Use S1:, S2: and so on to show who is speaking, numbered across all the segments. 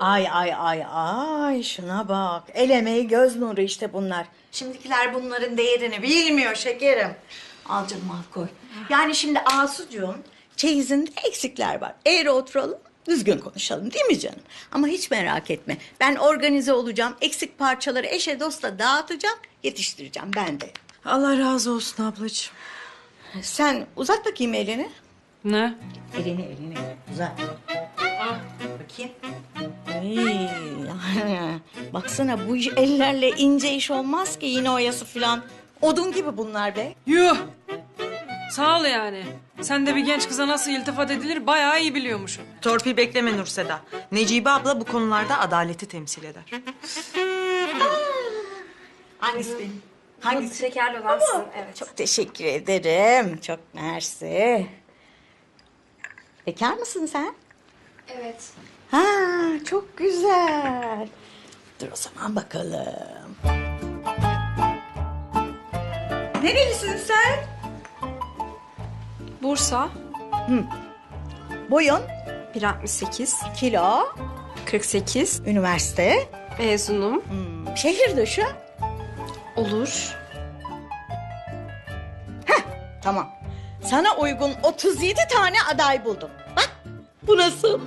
S1: Ay ay ay ay şuna bak. El emeği göz nuru işte bunlar. Şimdikiler bunların değerini bilmiyor şekerim. Al canım al koy. Yani şimdi Asucuğum çeyizinde eksikler var. Eğri oturalım düzgün konuşalım değil mi canım? Ama hiç merak etme. Ben organize olacağım. Eksik parçaları eşe dosta dağıtacağım. Yetiştireceğim ben de.
S2: Allah razı olsun ablacığım.
S1: Sen uzat bakayım elini.
S2: Ne?
S1: Elini uzat. Bakayım. Ay, yani baksana bu ellerle ince iş olmaz ki iğne oyası falan. Odun gibi bunlar be.
S2: Yuh! Sağ ol yani. Sen de bir genç kıza nasıl iltifat edilir bayağı iyi biliyormuşsun.
S3: Torpil bekleme Nurseda. Necibe abla bu konularda adaleti temsil eder.
S1: Hangisi benim? Hangisi?
S4: Şekerli olan sizin, evet.
S1: Çok teşekkür ederim. Çok mersi. Bekar mısın sen?
S4: Evet.
S1: Ha, çok güzel. Dur o zaman bakalım. Nerelisin sen?
S4: Bursa,
S1: Boyun,
S4: 1.68,
S1: kilo,
S4: 48,
S1: üniversite,
S4: mezunum.
S1: şehir dışı.
S4: Olur.
S1: Tamam. Sana uygun 37 tane aday buldum. Bak, bu nasıl?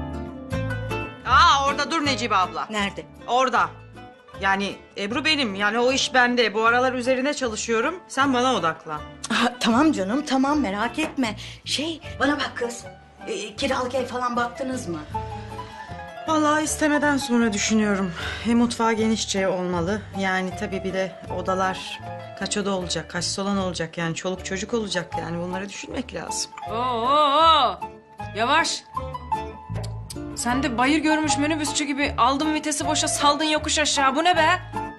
S3: Orada dur Necibe abla.
S1: Nerede?
S3: Orada. Yani Ebru benim. Yani o iş bende. Bu aralar üzerine çalışıyorum. Sen bana odaklan.
S1: Tamam canım, tamam merak etme. Bana bak kız. Kiralık ev falan baktınız mı?
S3: Vallahi istemeden sonra düşünüyorum. Mutfağı genişçe olmalı. Yani tabii bir de odalar kaç oda olacak, kaç salon olacak yani çoluk çocuk olacak yani bunları düşünmek lazım.
S2: Oo! Yavaş. Sen de bayır görmüş minibüsçü gibi aldın vitesi boşa saldın yokuş aşağı. Bu ne be?